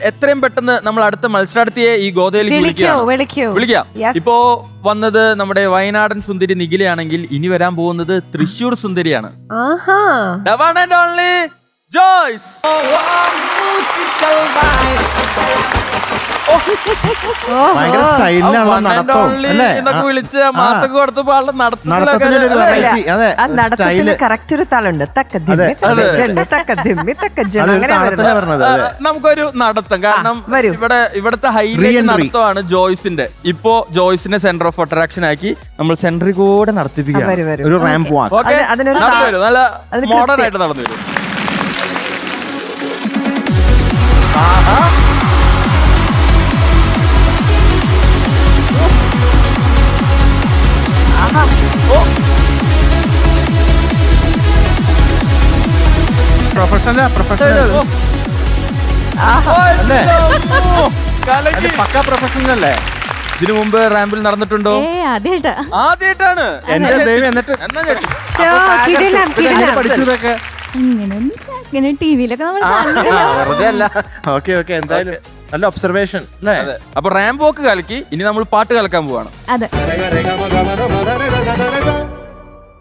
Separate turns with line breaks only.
എത്രയും പെട്ടെന്ന് നമ്മൾ അടുത്ത മത്സരാർത്ഥിയെ ഈ ഗോതയിലേക്ക് വിളിക്കാം. ഇപ്പോ വന്നത് നമ്മുടെ വയനാടൻ സുന്ദരി നിഖിലയാണെങ്കിൽ ഇനി വരാൻ പോകുന്നത് തൃശ്ശൂർ സുന്ദരിയാണ്. The one and only Joyce.
ഭയങ്കര സ്റ്റൈലിനാണല്ലോ നടത്തം അല്ലേ?
വിളിച്ച് മാസൊക്കെ കൊടുത്തപ്പോ ആളുടെ
നടത്തത്തില്
കറക്റ്റ് ഒരു താളുണ്ട്.
നമുക്കൊരു നടത്തം, കാരണം ഇവിടത്തെ ഹൈലൈറ്റ് നടത്തമാണ് ജോയ്സിന്റെ. ഇപ്പോ ജോയ്സിനെ സെന്റർ ഓഫ് അട്രാക്ഷൻ ആക്കി നമ്മൾ സെന്ററിൽ കൂടെ നടത്തിപ്പിക്കാം.
ഒരു റാമ്പ് വാക്ക്.
നല്ല മോഡേൺ ആയിട്ട് നടന്നു വരും.
പ്രൊഫഷണൽ പക്ക പ്രൊഫഷണൽ അല്ലേ?
ഇതിനു മുമ്പ് റാമ്പിൽ നടന്നിട്ടുണ്ടോ? ആദ്യമായിട്ടാണ്.
എന്റെ ദൈവം. എന്നിട്ട് പഠിച്ചു ഇതൊക്കെ വെറുതെ അല്ല. ഓക്കെ ഓക്കെ, എന്തായാലും നല്ല ഒബ്സർവേഷൻ അല്ലേ?
അപ്പൊ റാമ്പ് വോക്ക് കലക്കി. ഇനി നമ്മൾ പാട്ട് കലക്കാൻ പോവാണ്.
അതെ.